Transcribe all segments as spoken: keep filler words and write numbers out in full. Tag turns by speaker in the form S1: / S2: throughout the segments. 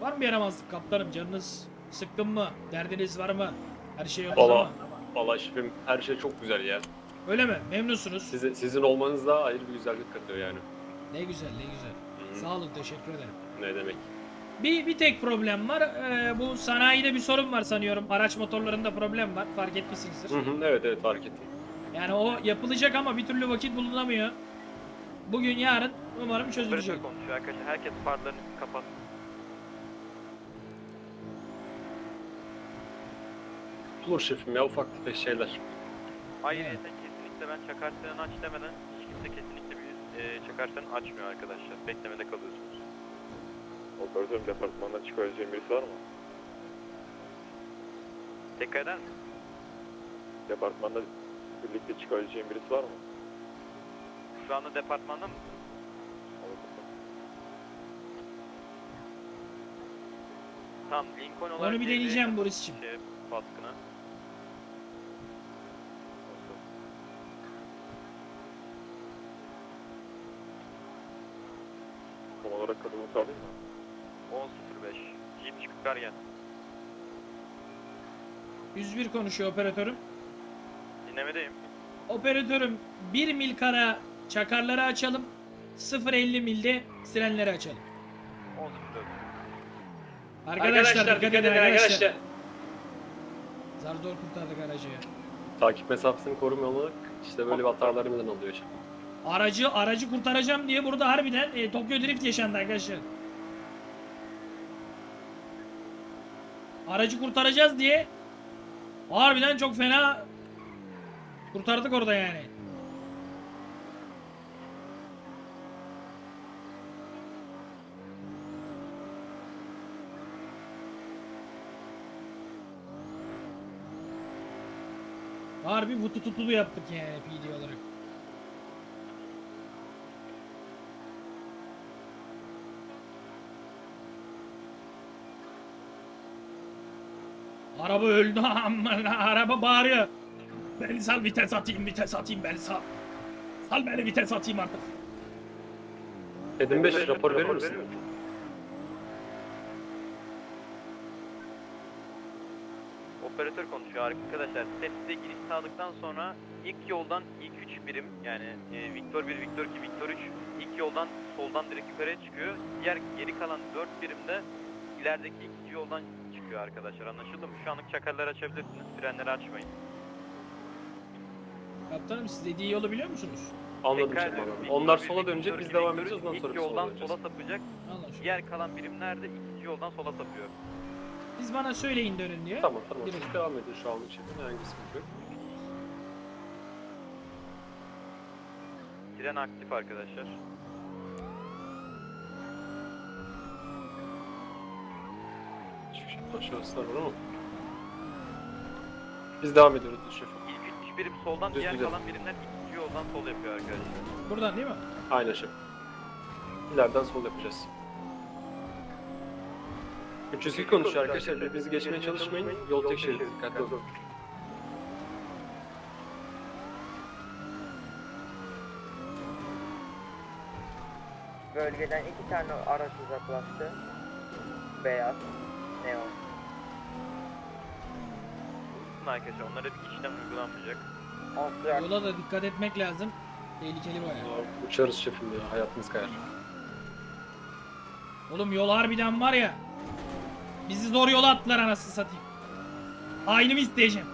S1: Var mı bir yaramazlık kaptanım? Canınız sıkkın mı? Derdiniz var mı? Her şey yolunda
S2: Valla
S1: mı?
S2: valla şefim her şey çok güzel ya.
S1: Öyle mi? Memnunsunuz.
S2: Size, sizin olmanız da ayrı bir güzellik katıyor yani.
S1: Ne güzel, ne güzel.
S2: Hı.
S1: Sağ olun, teşekkür ederim.
S2: Ne demek?
S1: Bir, bir tek problem var. Ee, bu sanayide bir sorun var sanıyorum. Araç motorlarında problem var. Fark etmişsinizdir.
S2: Hı hı, evet evet fark ettim.
S1: Yani o yapılacak ama bir türlü vakit bulunamıyor. Bugün, yarın umarım çözülecek.
S3: Operatör konuşuyor arkadaşlar. Herkes farlarını kapat.
S2: Olur şefim ya ufak tefek şeyler.
S3: Ayrıca kesinlikle ben çakar freni aç demeden hiç kimse kesinlikle bir e, çakar freni açmıyor arkadaşlar. Beklemede kalıyorsunuz.
S4: Operatörüm departmandan çıkabileceğim birisi var mı?
S3: Tekrar eder misin?
S4: Departmanda birlikte çıkabileceğim birisi var mı?
S3: Şu anda departmanda mı? Tamam, Lincoln olarak
S1: Onu bir deneyeceğim Boris'ciğim.
S3: Şey, baskına.
S4: Tam olarak kadını sağlayayım mı?
S3: on sıfır beş. Jeep çıkıp ver gel.
S1: yüz bir konuşuyor operatörüm.
S3: Dinlemedeyim.
S1: Operatörüm bir mil kara çakarları açalım. sıfır elli milde sirenleri açalım.
S3: on sıfır dört.
S1: Arkadaşlar, dikkat edin arkadaşlar. Zar zor kurtardık aracı ya.
S2: Takip mesafesini korumamalık işte böyle bir hatalarımızdan oluyor şefim.
S1: Aracı aracı kurtaracağım diye burada harbiden e, Tokyo Drift yaşandı arkadaşlar. Aracı kurtaracağız diye harbiden çok fena kurtardık orada yani. Harbi vutu tutulu yaptık yani P D olarak. Araba öldü aman araba bağırıyor. Beni sal vites atayım vites atayım beni sal. Sal beni vites atayım artık.
S2: Edim beş rapor verir misin?
S3: Operatör konuşuyor arkadaşlar. Tepsize giriş sağladıktan sonra ilk yoldan ilk üç birim yani e, Victor bir, Victor iki, Victor üç ilk yoldan soldan direkt yukarıya çıkıyor. Diğer geri kalan dört birimde ilerideki ikinci yoldan çıkıyor arkadaşlar. Anlaşıldı mı? Şu anlık çakarları açabilirsiniz. Frenleri açmayın.
S1: Kaptanım siz dediği yolu biliyor musunuz?
S2: Anladım
S3: Tekrar
S2: şefim
S3: ediyorum.
S2: anladım. Onlar
S3: Victor bir,
S2: sola dönecek
S3: Victor
S2: biz
S3: iki,
S2: devam
S3: Victor üç,
S2: edeceğiz ondan sonra
S3: İlk
S2: sola
S3: yoldan
S2: döneceğiz.
S3: sola sapacak.
S1: Anlaşıldı.
S3: Diğer kalan birimler de ikinci yoldan sola sapıyor.
S1: Siz bana söyleyin dönün diye.
S2: Tamam tamam
S1: Girelim.
S2: siz devam edin şu anlık şefim herhangi bir sıkıntı yok.
S3: Tren aktif arkadaşlar.
S2: Şu aşağısı var ama. Biz devam ediyoruz şefim.
S3: İlk üç birim soldan,
S2: Düz
S3: diğer
S2: düz.
S3: kalan birimler ikinci yoldan sol yapıyor arkadaşlar.
S1: Buradan değil mi?
S2: Aynen şefim. İleriden sol yapacağız. üç yüz iki konuşuyor arkadaşlar. Birbirinizi geçmeye çalışmayın. Yol tek şerit. Dikkatli olun.
S5: Bölgeden iki tane araç uzaklaştı. Beyaz, neon.
S3: Arkadaşlar onlara bir işlem uygulanmayacak.
S5: Austral
S1: Yola da dikkat etmek lazım. Tehlikeli bayağı.
S2: Aa, Uçarız şefim ya. Hayatınız kayar.
S1: Oğlum yol harbiden var ya. Bizi zor yola attılar anasını satayım. Aynımı isteyeceğim.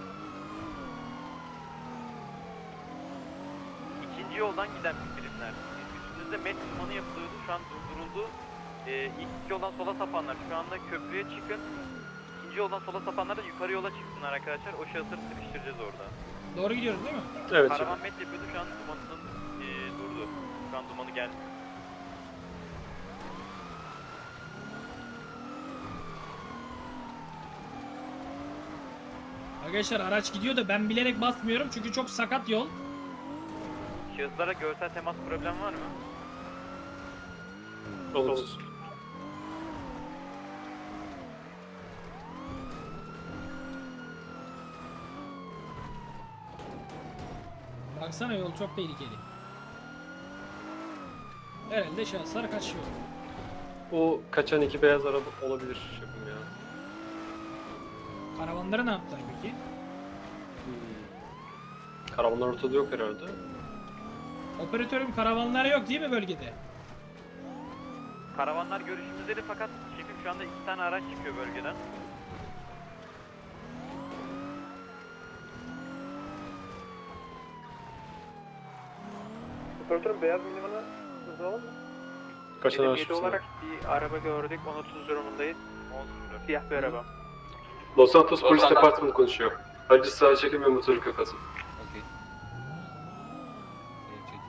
S3: İkinci yoldan giden birimler. Üstünüzde met dumanı yapılıyordu. Şu an durduruldu. Ee, ilk yoldan sola sapanlar şu anda köprüye çıkın. İkinci yoldan sola sapanlar da yukarı yola çıksınlar arkadaşlar. O şahısları sıkıştıracağız orada.
S1: Doğru gidiyoruz değil mi?
S2: Evet şefim.
S3: Karavan met yapıyordu. Şu an dumanının ee, durdu. Şu an dumanı geldi.
S1: Arkadaşlar araç gidiyor da ben bilerek basmıyorum çünkü çok sakat yol.
S3: Şahıslara görsel temas problem var mı?
S2: Olumsuz.
S1: Baksana yol çok tehlikeli. Herhalde şahıslar kaçıyor.
S2: O kaçan iki beyaz araba olabilir şefim ya.
S1: Karavanları ne yaptılar peki?
S2: Hmm. Karavanlar ortada yok herhalde.
S1: Operatörüm karavanlar yok değil mi bölgede?
S3: Karavanlar görüşümüzdeydi fakat şefim şu anda iki tane araç çıkıyor bölgeden.
S5: Operatörüm beyaz minivana hızlanalım mı?
S2: Kaçan araç mısın?
S5: olarak bir araba gördük. on otuz durumundayız. Siyah bir araba.
S2: Los Santos Polis Departmanı konuşuyor. Acı sağa çekin ve motoru kapatın.
S6: Okey. Evet, çek.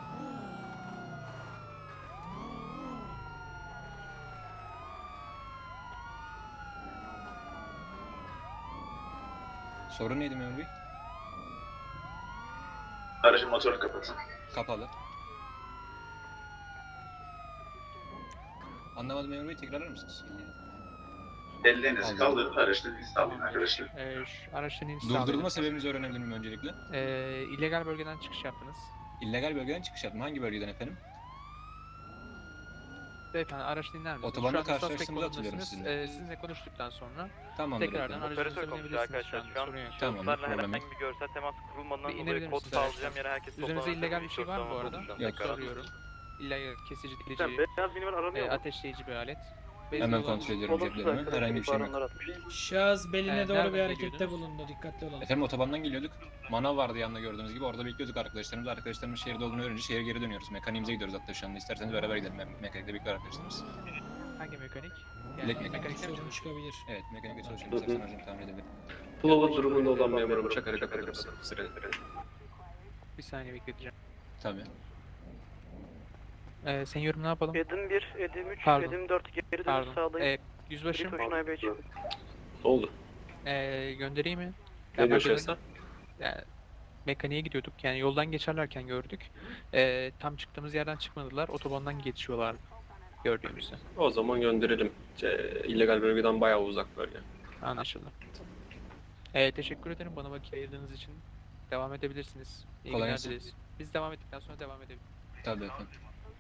S6: Sorun neydi memur bey?
S7: Aracın motorunu kapatın.
S6: Kapalı. Anlamadım memur bey, tekrarlar mısınız?
S7: Ellerinizi
S6: Aldım.
S7: kaldırın, araçtan izin alın arkadaşlar.
S8: Ee, şu araçtan iniş
S6: Durdurma
S8: sağlayın.
S6: sebebinizi öğrenebilir miyim öncelikle?
S8: Ee, illegal bölgeden çıkış yaptınız.
S6: İllegal bölgeden çıkış yaptım. Hangi bölgeden efendim?
S8: Beyefendi araç dinler misiniz?
S6: Otobanda
S8: Şu anda
S6: karşılaştığımızı
S8: suspect
S6: hatırlıyorum
S8: konumdasınız.
S6: sizinle.
S8: Ee, sizinle konuştuktan sonra
S6: Tamamdır
S8: tekrardan
S6: efendim.
S8: aracınıza
S3: Operatör konuşuyor
S8: binebilirsiniz şu
S3: arkadaşlar.
S8: anda.
S3: Şu an
S8: Sorun yok.
S6: Tamam,
S3: şahıslarla
S6: problem
S3: herhangi bir görsel temas kurulmadan
S8: Bir
S3: dolayı
S8: inebilir
S3: kod
S8: misiniz
S3: sağlayacağım
S8: araçtan?
S3: yere herkes
S8: Üzerinizde
S3: toplansın.
S8: illegal bir şey var mı bu arada?
S3: Konuşacağım
S6: Yok.
S3: tekrar.
S8: Soruyorum. İllegal kesici, delici,
S2: Sen beyaz minivan aranıyor
S8: e,
S2: mu?
S8: ateşleyici bir alet.
S6: Hemen kontrol ediyorum ceplerimi. Herhangi bir şey yok.
S1: Şahıs beline
S8: Ee,
S1: doğru
S8: nereden
S1: bir harekette
S8: geliyordunuz?
S1: bulundu. Dikkatli olalım.
S6: Efendim otobandan geliyorduk. Manav vardı yanında gördüğünüz gibi. Orada bekliyorduk arkadaşlarımız. Arkadaşlarımız şehirde olduğunu öğrenince şehre geri dönüyoruz. Mekaniğimize gidiyoruz hatta şu anda. İsterseniz beraber gidelim. Me- Mekanikte bekliyor arkadaşlarımız.
S8: Hangi mekanik?
S6: Bilek
S8: Yani
S6: mekanik.
S8: mekanikte
S1: Sorun
S8: misiniz?
S1: çıkabilir.
S6: Evet, mekanikte çalışıyorum.
S2: Hı hı.
S6: İstersen aracımı tamir edebilirim.
S2: Flow'lu durumunda olan memurum çakarı kapatır mısın? Sırayla.
S8: Bir saniye bekleteceğim.
S6: Tabii.
S8: Ee, seniyorum ne yapalım?
S9: Edim bir, Edim üç,
S8: Pardon.
S9: Edim dört geri dönüş
S8: Pardon.
S9: sağlayın.
S8: Ee, yüzbaşım
S9: Koşun Aybey için.
S2: Ne oldu?
S8: ee, göndereyim mi?
S2: Ne
S8: ben
S2: diyor
S8: böyle-
S2: şahsen?
S8: Yani mekaniğe gidiyorduk. Yani yoldan geçerlerken gördük. Ee, tam çıktığımız yerden çıkmadılar. Otobandan geçiyorlar gördüğümüzde.
S2: O zaman gönderelim. Ce, illegal bölgeden bayağı uzak bölge.
S8: Anlaşıldı. Ee, teşekkür ederim bana vakit ayırdığınız için. Devam edebilirsiniz. İyi
S6: Kolay
S8: günler
S6: gelsin.
S8: dileriz. Biz devam ettikten sonra devam edebiliriz.
S6: Tabii efendim.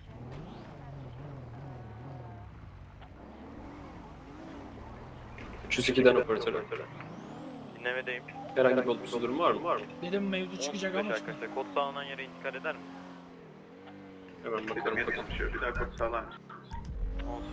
S2: üç yüz ikiden operatörü.
S3: Dinlemedeyim.
S2: Herhangi bir olumsuz durum var mı? Var mı?
S1: Dedim mevzu çıkacak
S3: beş
S1: ama
S3: arkadaşlar kod sağlanan yere intikal eder mi?
S2: Hemen
S7: Bir
S2: bakalım.
S7: dakika konuşuyor, bir dakika sağlam.
S3: Olsun.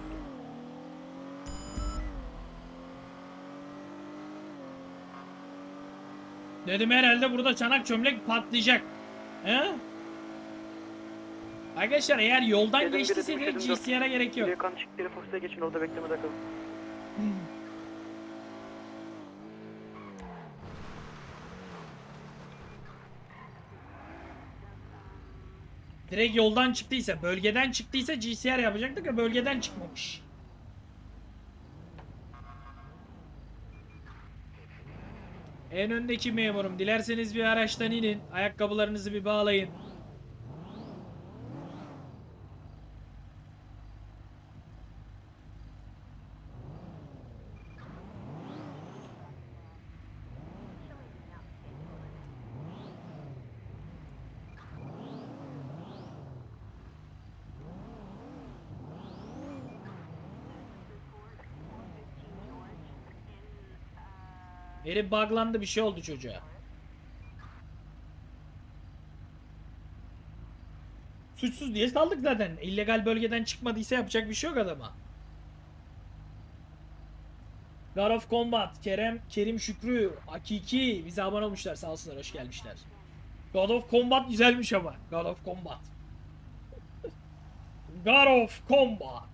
S1: dedim herhalde burada çanak çömlek patlayacak. He? Arkadaşlar eğer yoldan
S9: Edim bir,
S1: geçtiyse
S9: Edim üç,
S1: direkt
S9: Edim dört.
S1: G C R'a gerek yok.
S9: Geriye kan çıktı, Fox'a geçin orada beklemede kalın.
S1: Direkt yoldan çıktıysa, bölgeden çıktıysa G C R yapacaktık ya bölgeden çıkmamış. En öndeki memurum, dilerseniz bir araçtan inin, ayakkabılarınızı bir bağlayın. Herif buglandı, bir şey oldu çocuğa. Suçsuz diye saldık zaten. İllegal bölgeden çıkmadıysa yapacak bir şey yok adama. God of Combat, Kerem, Kerim Şükrü, Hakiki bize abone olmuşlar, sağ olsunlar, hoş gelmişler. God of Combat güzelmiş ama. God of Combat. God of Combat.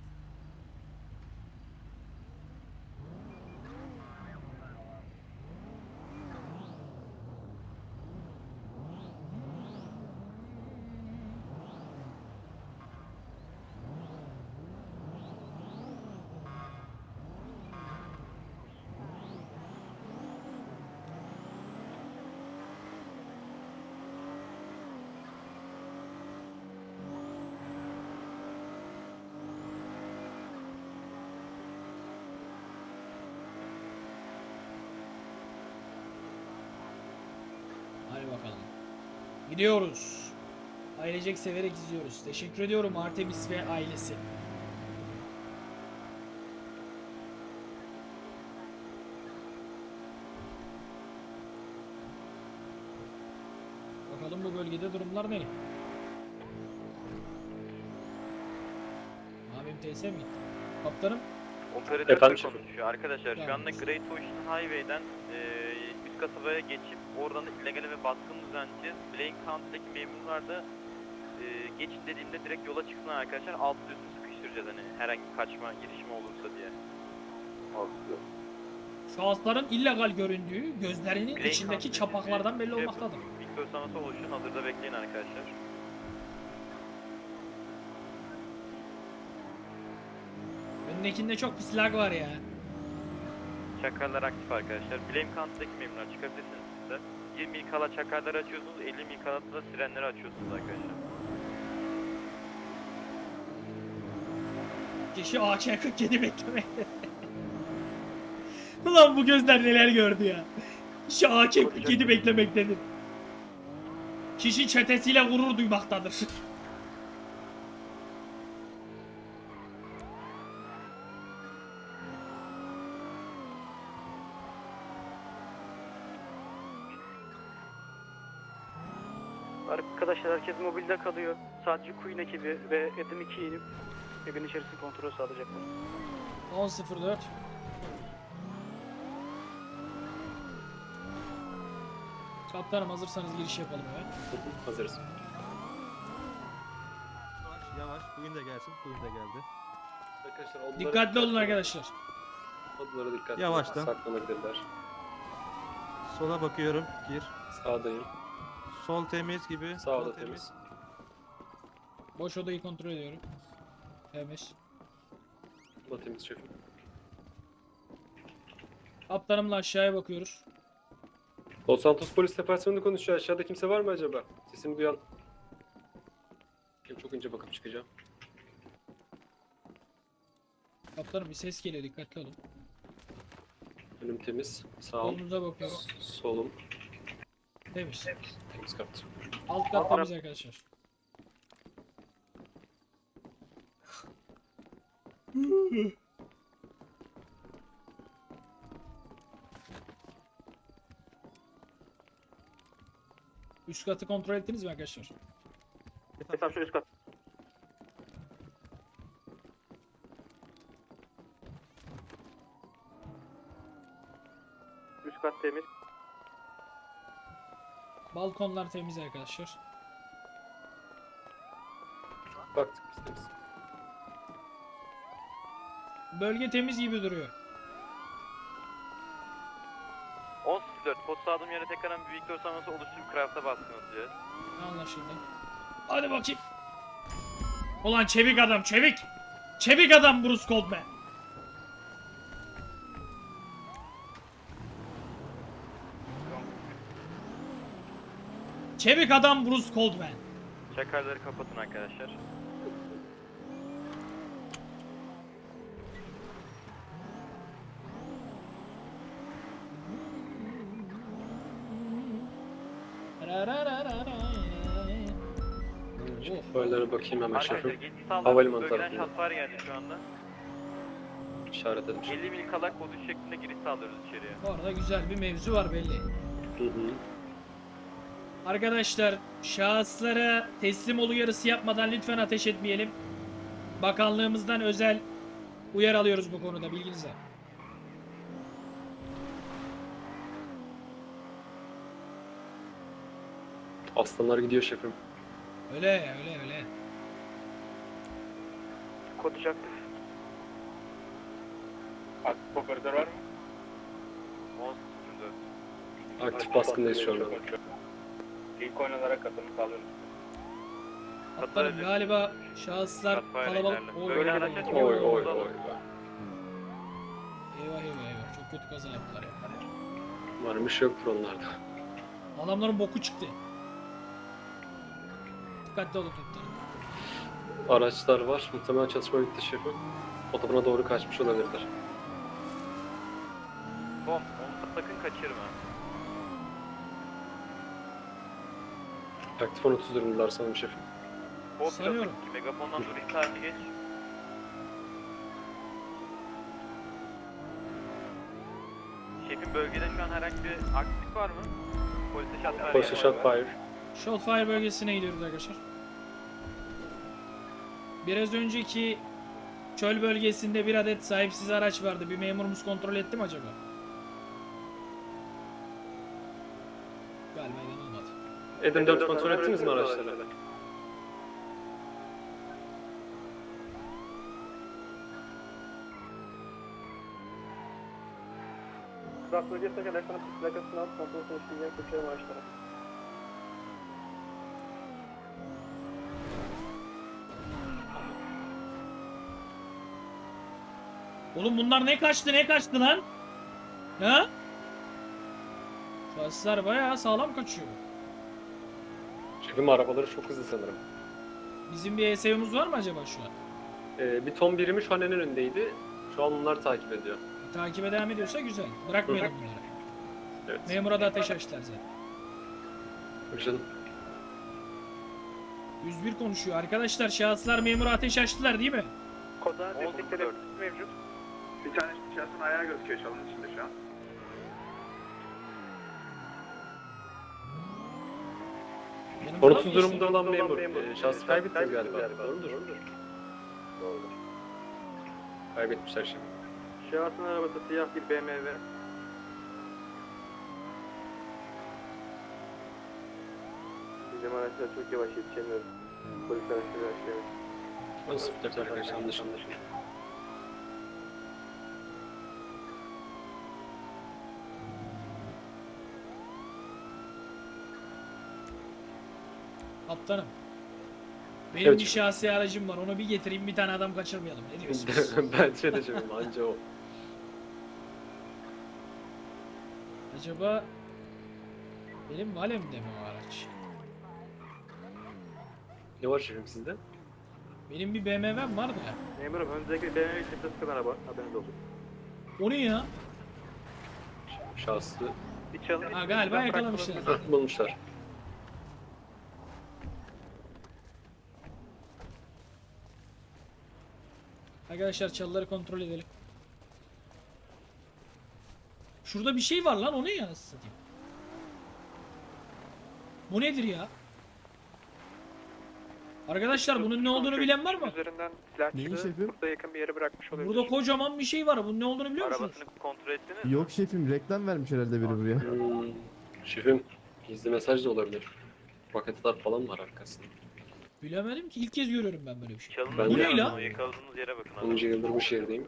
S1: Hadi bakalım. Gidiyoruz. Ailecek severek izliyoruz. Teşekkür ediyorum Artemis ve ailesi. Bakalım bu bölgede durumlar ne? Abim T S mi gitti? Kaptanım
S3: Operatör
S2: Efendim şefim?
S3: konuşuyor. Arkadaşlar şu anda Great Ocean Highway'den e, üst kasabaya geçip oradan da illegale ve baskın düzenleyeceğiz. Blaine County'deki memurlar da e, geçit dediğimde direkt yola çıksınlar arkadaşlar. Alt üstü sıkıştıracağız hani herhangi bir kaçma girişimi olursa diye.
S1: şahısların illegal göründüğü gözlerinin
S3: Blaine
S1: içindeki
S3: County'deki
S1: çapaklardan belli
S3: şey
S1: olmaktadır.
S3: Victor Sanat'a oluşun. Hazırda bekleyin arkadaşlar.
S1: Önündekinde çok pis lag var ya.
S3: Çakarlar aktif arkadaşlar. Blaine County'deki memurlar çıkabilirsiniz siz de. yirmi mil kala çakarları açıyorsunuz. elli mil kala da sirenleri açıyorsunuz arkadaşlar.
S1: Kişi A K kırk yedi beklemekte. Ulan bu gözler neler gördü ya. Kişi A K kırk yedi beklemektedir. Kişi çetesiyle gurur duymaktadır.
S9: Arkadaşlar herkes mobilde kalıyor. Sadece Queen ekibi ve Edim iki inip evin içerisinde kontrol sağlayacaklar.
S1: on sıfır dört. Kaptanım hazırsanız giriş yapalım hemen.
S2: Hazırız.
S10: Yavaş yavaş. Bugün de gelsin. Bugün de geldi.
S2: Arkadaşlar odlara
S1: Dikkatli olun arkadaşlar.
S2: Odlara dikkatli.
S10: Yavaştan.
S2: Saklanabilirler.
S10: Sola bakıyorum. Gir.
S2: Sağdayım.
S10: Sol temiz gibi.
S2: Sağda
S10: Sol
S2: temiz.
S1: Boş odayı kontrol ediyorum. Temiz.
S2: Bu da temiz şefim.
S1: Kaptanımla aşağıya bakıyoruz.
S2: Los Santos Polis Departmanı konuşuyor. Aşağıda kimse var mı acaba? Sesimi duyan. Çok önce bakıp çıkacağım.
S1: Kaptanım bir ses geliyor, dikkatli olun.
S2: Önüm temiz. Sağım.
S1: Solunuza bakıyorum.
S2: Solum.
S1: Temiz.
S2: Temiz kat.
S1: Alt kat temiz arkadaşlar. Üst katı kontrol ettiniz mi arkadaşlar?
S9: Efendim şu üst kat. Üst kat temiz.
S1: Balkonlar temiz arkadaşlar.
S2: Baktık biz temiz.
S1: Bölge temiz gibi duruyor.
S3: on sıfır dört post aldığım yere tekrardan bir Victor Sanat'a oluşturup craft'a baskın atacağız.
S1: Anlaşıldı. Hadi bakayım. Ulan çevik adam, çevik. Çevik adam Bruce Goldman. Çevik adam Bruce Goldman.
S3: Çakarları kapatın arkadaşlar.
S2: Şoförlere bakayım hemen
S3: Arkadaşlar
S2: şefim.
S3: geçiş sağladık.
S2: Havalimanı
S3: Bölgeden
S2: tarafında.
S3: şatlar geldi şu anda.
S2: İşaretledim.
S3: elli mil kala kod üç şeklinde giriş sağlıyoruz içeriye.
S1: Bu arada güzel bir mevzu var belli.
S2: Hı hı.
S1: Arkadaşlar şahıslara teslim ol uyarısı yapmadan lütfen ateş etmeyelim. Bakanlığımızdan özel uyarı alıyoruz bu konuda, bilginize.
S2: Aslanlar gidiyor şefim.
S1: Öyle öyle öyle.
S9: Kod üç aktif.
S4: Aktif operatör var mı?
S3: on sıfır dört.
S2: Aktif baskındayız şu anda.
S4: İlk oyunlara katılım sağlıyoruz.
S1: Kaptanım galiba şahıslar kalabalık. Oy, oy,
S3: Böyle
S1: oy,
S3: araçlar
S1: oy.
S3: çok
S2: Oy oy
S3: fazla.
S2: oy.
S1: Eyvah eyvah eyvah, çok kötü kaza yaptılar ya.
S2: Umarım bir şey yoktur onlarda.
S1: Adamların boku çıktı. Dikkatli olun kaptanım.
S2: Araçlar var. Muhtemelen çatışma bitti şefim. Otobana doğru kaçmış olabilirler.
S3: Tom, onu sakın kaçırma.
S2: Aktif on otuz durumdalar sanırım şefim.
S3: Hop
S1: Sanıyorum.
S3: ki megafondan duruş tarihi geç. Şefin bölgede şu an herhangi bir aksilik var mı? Polise shot fire.
S2: Polise shot fire.
S1: Shotfire bölgesine gidiyoruz arkadaşlar. Biraz önceki çöl bölgesinde bir adet sahipsiz araç vardı. Bir memurumuz kontrol etti mi acaba? Galiba yanılmadı.
S2: Edim dört kontrol ettiniz mi araçları?
S9: Rast bölgesine kadar sana plakasını al, kontrol sonuçlarını yap, geçelim araçlara.
S1: Oğlum bunlar ne kaçtı ne kaçtı lan? Ha? Şahıslar bayağı sağlam kaçıyor.
S2: Şefim arabaları çok hızlı sanırım.
S1: Bizim bir E S O'muz var mı acaba şu an?
S2: Ee, bir ton birimi şu an en önündeydi. Şu an bunlar takip ediyor.
S1: Takibe devam ediyorsa güzel. Bırakmayalım bunları.
S2: Evet.
S1: Memura da ateş açtılar zaten.
S2: Buyur canım.
S1: yüz bir konuşuyor. Arkadaşlar şahıslar memura ateş açtılar değil mi?
S3: Koda destekleri mevcut.
S7: Bir tane şahsın ayağı gözüküyor çalının içinde şu an.
S1: Yanımda
S2: Konutsuz
S1: mı
S2: durumda olan memur. Ee, şahsı kaybettiniz galiba. Doğrudur.
S4: Doğrudur.
S2: Kaybetmişler şimdi.
S9: Şahsın arabası siyah bir B M W. Bizim araçlar çok yavaş yetişemiyoruz. Polis araçları yavaş.
S2: on sıfır dört arkadaşlar anlaşıldı.
S1: Kaptanım. Benim
S2: Evet.
S1: bir şahsi aracım var. Onu bir getireyim, bir tane adam kaçırmayalım. Ne diyorsunuz?
S2: Bence de şefim anca o.
S1: Acaba benim valemde mi o araç?
S2: Ne var şefim sizde?
S1: Benim bir B M W'm var da.
S9: Memurum önümüzdeki B M W çifte sıkan araba. Haberiniz olsun.
S1: O ne ya?
S2: Şahsı
S9: Bir çalın.
S1: Ha, galiba yakalamışlar.
S2: bulmuşlar.
S1: Arkadaşlar çalıları kontrol edelim. Şurada bir şey var lan, o ne ya nasıl satayım? Bu nedir ya? Arkadaşlar bunun ne olduğunu bilen var mı?
S9: Üzerinden silah
S11: Neyin
S9: çıktı.
S11: şefim?
S9: Burada yakın bir yere bırakmış olabilir.
S1: Burada kocaman bir şey var. Bunun ne olduğunu biliyor musunuz?
S3: Arabasını kontrol ettiniz mi?
S11: Yok şefim, reklam vermiş herhalde biri buraya.
S2: Hmm, şefim gizli mesaj da olabilir. Paketler falan var arkasında.
S1: Bilemedim ki, ilk kez görüyorum ben böyle bir şey.
S3: Çalının
S2: Ben
S1: Bu
S2: de-
S1: ne lan?
S3: yakaladığınız yere bakın abi.
S2: onuncu yıldır bu şehirdeyim.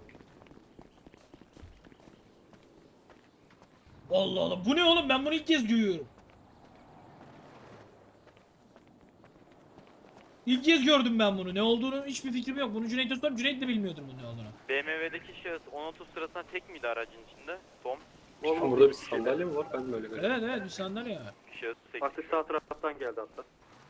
S1: Allah Allah, bu ne oğlum, ben bunu ilk kez görüyorum. İlk kez gördüm ben bunu. Ne olduğunu hiçbir fikrim yok. Bunu Cüneyt'e sordum. Cüneyt de bilmiyordur bunun ne olduğunu.
S3: B M W'deki şahıs on otuz sırasında tek miydi aracın içinde? Tom.
S2: Şefim burada bir sandalye mi var? Ben de öyle görüyorum.
S1: Evet evet, bir sandalye var.
S3: Şahıs tek.
S9: Atış sağ taraftan geldi hatta.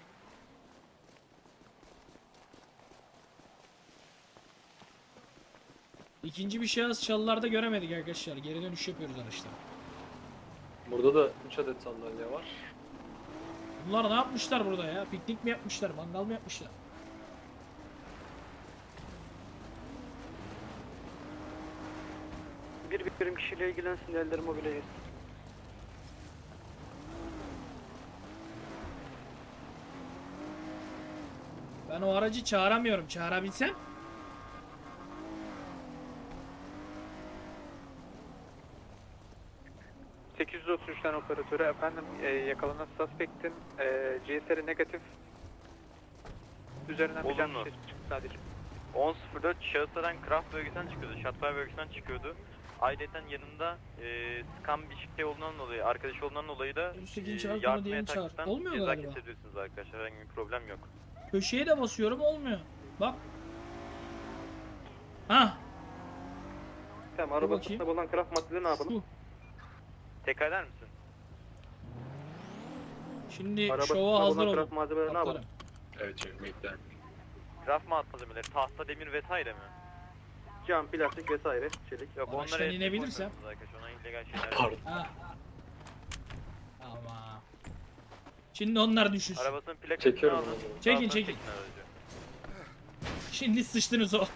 S1: İkinci bir şahıs çalılarda göremedik arkadaşlar. Geri dönüş yapıyoruz araçlara.
S2: Burada da üç adet sandalye var.
S1: Bunlar ne yapmışlar burada ya? Piknik mi yapmışlar? Mangal mı yapmışlar?
S9: Bir birim kişiyle ilgilensin, elleri mobile yesin.
S1: Ben o aracı çağıramıyorum. Çağırabilsem.
S8: sekiz yüz otuz üçten operatörü efendim e, yakalanan suspektin e, C S R negatif üzerinden bir
S3: Olumlu.
S8: can ses çıktı sadece.
S3: on sıfır dört şahıslardan Craft bölgesinden çıkıyordu. Shotfire bölgesinden çıkıyordu. Ayrıca yanında e, scam bir şey olduğundan dolayı, arkadaş olduğundan dolayı da
S1: Üstteki
S3: e,
S1: çağır, sonra
S3: yardım
S1: diğerini çağır.
S3: yataklıktan
S1: Olmuyor
S3: ceza
S1: galiba.
S3: kesebilirsiniz arkadaşlar. Herhangi bir problem yok.
S1: Köşeye de basıyorum, olmuyor. Bak. Hah.
S9: Tamam,
S1: Dur
S9: arabasında
S1: bakayım.
S9: bulunan craft maddeleri ne yapalım?
S1: Şu.
S3: Tekrar eder misin?
S1: Şimdi
S9: Arabasında
S1: şova hazır
S9: bulunan
S1: olun.
S9: craft malzemeleri ne yapalım?
S1: Kaptanım.
S2: Evet şefim bekler.
S3: Craft malzemeleri, tahta, demir vesaire mi?
S9: Cam, plastik vesaire, çelik.
S3: Yok
S1: Araçtan
S3: onları
S1: inebilirsem.
S3: arkadaşlar. Ona illegal şeyler.
S2: Pardon.
S1: Ha. Ama. Şimdi onlar düşünsün.
S3: Arabasının plakasını
S2: Çekiyorum
S3: alın.
S2: o zaman.
S1: Çekin,
S3: Daha sonra
S1: çekin.
S3: aracı.
S1: Şimdi sıçtınız o.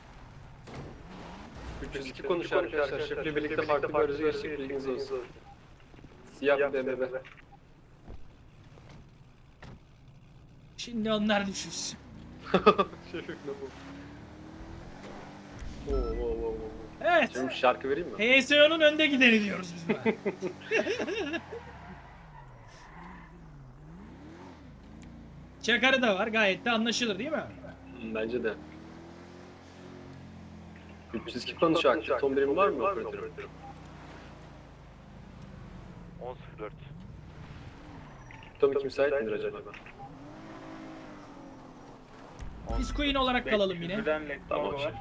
S2: üç yüz iki konuşuyor arkadaşlar. Şefle birlikte farklı bir aracı geçtik. Bilginiz olsun. Siyah bir B M W.
S1: Şimdi onlar düşünsün.
S2: Şefik ne bu? Oo, oo, oo, oo.
S1: Evet.
S2: Şimdi şarkı vereyim mi?
S1: H S O'nun önde gideni diyoruz biz buna. Çakarı da var. Gayet de anlaşılır değil mi?
S2: Hı, bence de. üç yüz iki konuşuyor aktif. Ton birim var mı operatörüm?
S3: on sıfır dört.
S2: Tom iki müsait midir acaba?
S1: Biz Queen olarak kalalım yine.
S2: Tamam şef.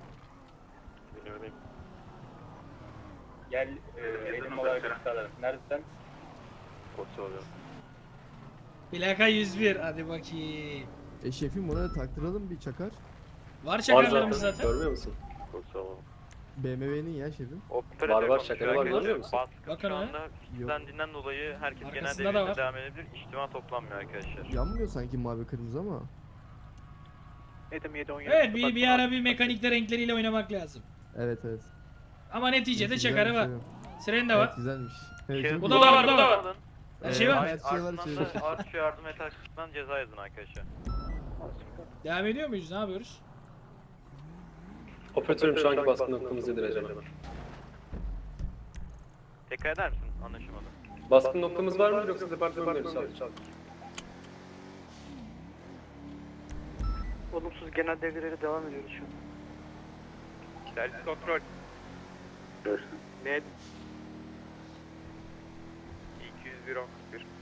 S7: Gel eğitim olarak alalım. Neredesin?
S4: Kodsu alıyorum.
S1: Plaka yüz bir. Hadi bakayım.
S11: E şefim ona da taktıralım bir çakar.
S1: Var
S2: Var
S1: çakarlarımız
S2: zaten.
S1: zaten.
S2: Görmüyor musun?
S4: Kodsu alalım.
S11: B M W'nin ya şefim.
S3: Operatör
S2: Var, var,
S3: konuşuyor
S2: şakalı var,
S3: arkadaşlar.
S2: görüyor musun?
S3: Baskın
S1: Bakın
S3: şu
S1: ha.
S3: anda kilitlendiğinden dolayı herkes genel
S1: Arkasında da
S3: devrine
S1: var.
S3: devam edebilir. İçtima toplanmıyor arkadaşlar.
S11: Yanmıyor sanki mavi kırmızı ama.
S9: Edim yedi on yedi.
S1: Evet bir, bir ara bir mekanikte renkleriyle oynamak lazım.
S11: Evet evet.
S1: Ama neticede
S11: Neyse,
S1: çakarı
S11: güzel
S1: var.
S11: bir şey yok.
S1: Siren de
S11: Evet
S1: var.
S11: güzelmiş. Evet,
S3: Şey-
S11: çok
S1: Bu
S11: iyi.
S1: da var, bu da var.
S3: Alın.
S1: Her şey var.
S11: Evet, her şey var
S3: Ardından
S11: içeride.
S3: da artış yardım et açısından ceza yazın arkadaşlar.
S1: Devam ediyor muyuz? Ne yapıyoruz?
S2: Operatörüm şu anki baskın noktamız nedir acaba?
S3: Tekrar eder misin? Anlaşılmadı.
S2: Baskın noktamız var mı yoksa departman mı sadece?
S9: Olumsuz genel devrelere devam ediyoruz şu an.
S3: Servis kontrol.
S4: Görüşürüz.
S3: Net. iki yüz bir on kırk bir.